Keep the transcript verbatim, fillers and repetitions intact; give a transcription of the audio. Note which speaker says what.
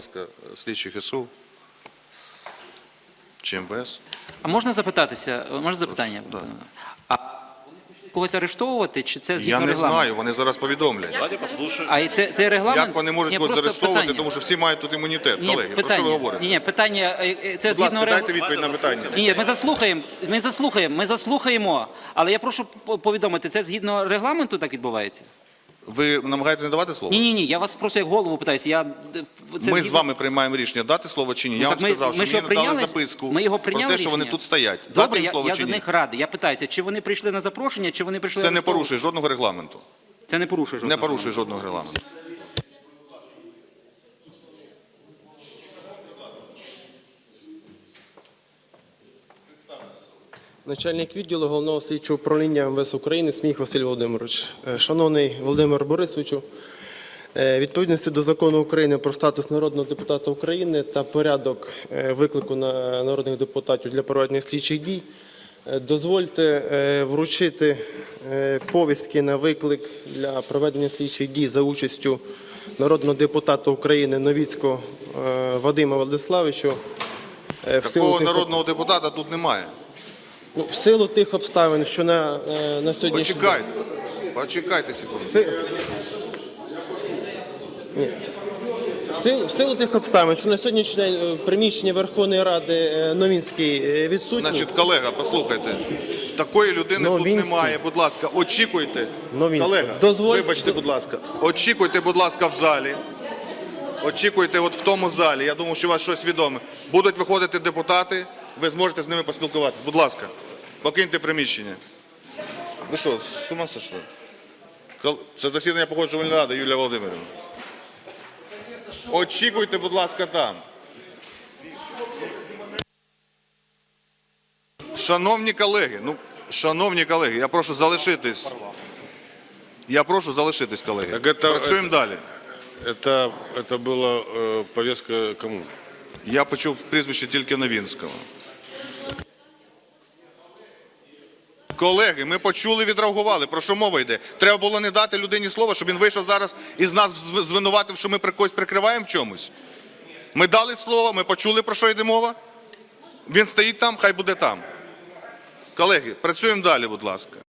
Speaker 1: ласка, слідчих СУ чи ем ве ес.
Speaker 2: А можна запитатися? Можна запитання?
Speaker 1: Да.
Speaker 2: А вони хочуть когось арештовувати, чи це згідно
Speaker 1: Я не
Speaker 2: регламенту?
Speaker 1: знаю, вони зараз повідомлять.
Speaker 3: Давайте послушаем.
Speaker 2: А це, це регламент?
Speaker 1: Як вони можуть
Speaker 2: Ні,
Speaker 1: когось
Speaker 2: просто
Speaker 1: заарештовувати,
Speaker 2: питання.
Speaker 1: тому що всі мають тут імунітет.
Speaker 2: Ні,
Speaker 1: Колеги, про що
Speaker 2: питання.
Speaker 1: ви говорите?
Speaker 2: Ні, ні, питання, е, е, це
Speaker 1: Будь
Speaker 2: згідно
Speaker 1: ласка, дайте
Speaker 2: регламенту.
Speaker 1: відповідь на питання.
Speaker 2: Ні, ми заслухаємо, ми заслухаємо, ми заслухаємо, але я прошу по- повідомити, це згідно регламенту так відбувається?
Speaker 1: Ви намагаєтесь не давати слово?
Speaker 2: Ні, ні, ні, я вас просто як голову питаюся. Я, це
Speaker 1: Ми
Speaker 2: згідно-
Speaker 1: з вами приймаємо рішення, дати слово чи ні.
Speaker 2: Ну,
Speaker 1: Я
Speaker 2: так
Speaker 1: вам
Speaker 2: ми-
Speaker 1: сказав,
Speaker 2: ми
Speaker 1: що
Speaker 2: що,
Speaker 1: мені надали
Speaker 2: прийняли?
Speaker 1: записку
Speaker 2: Ми його
Speaker 1: про
Speaker 2: прийняли
Speaker 1: те, що вони
Speaker 2: рішення?
Speaker 1: тут стоять.
Speaker 2: Добре,
Speaker 1: Дати їм
Speaker 2: я,
Speaker 1: слово
Speaker 2: я
Speaker 1: чи
Speaker 2: за
Speaker 1: ні?
Speaker 2: них радий. Я питаюся, чи вони прийшли на запрошення, чи вони прийшли
Speaker 1: Це не
Speaker 2: арештовувати?
Speaker 1: порушує жодного регламенту.
Speaker 2: Це не порушує
Speaker 1: Не
Speaker 2: жодного.
Speaker 1: порушує жодного регламенту.
Speaker 4: Начальник відділу Головного слідчого управління ем ве ес України Сміх Василь Володимирович. Е, Шановний Володимир Борисовичу, е, відповідності до Закону України про статус народного депутата України та порядок е, виклику на народних депутатів для проведення слідчих дій, е, дозвольте е, вручити е, повістки на виклик для проведення слідчих дій за участю народного депутата України Новіцького е, Вадима Владиславовича. Е, в силу
Speaker 1: Такого
Speaker 4: тих-
Speaker 1: народного депутата тут немає.
Speaker 4: Ну, в силу тих обставин, що на, е, на сьогоднішній день...
Speaker 1: Почекайте. Почекайте секунду.
Speaker 4: Си- Ні. В силу, в силу тих обставин, що на сьогоднішній день е, в приміщенні Верховної Ради е, Новінський е, відсутній.
Speaker 1: Значить, колега, послухайте. Такої людини тут
Speaker 4: Новінський.
Speaker 1: немає. Будь ласка, очікуйте.
Speaker 4: Новінський.
Speaker 1: Колега,
Speaker 4: Дозволь-
Speaker 1: вибачте, будь ласка. Очікуйте, будь ласка, в залі. Очікуйте от в тому залі. Я думаю, що у вас щось відоме. Будуть виходити депутати, ви зможете з ними поспілкуватися. Будь ласка, покиньте приміщення. Ви що, з ума сошли? Кол- Це засідання Погоджувальної ради, Юлія Володимирівна. Очікуйте, будь ласка, там. Шановні колеги, ну, шановні колеги, я прошу залишитись. Я прошу залишитись, колеги.
Speaker 3: Так это-
Speaker 1: Працюємо далі.
Speaker 3: Это, это была э, повестка кому?
Speaker 1: Я почув прізвище тільки Новінського. Колеги, ми почули, відреагували. Про що мова йде? Треба було не дати людині слова, щоб він вийшов зараз і з нас зв- звинуватив, що ми при когось прикриваємо в чомусь. Ми дали слово, ми почули, про що йде мова. Він стоїть там, хай буде там. Колеги, працюємо далі, будь ласка.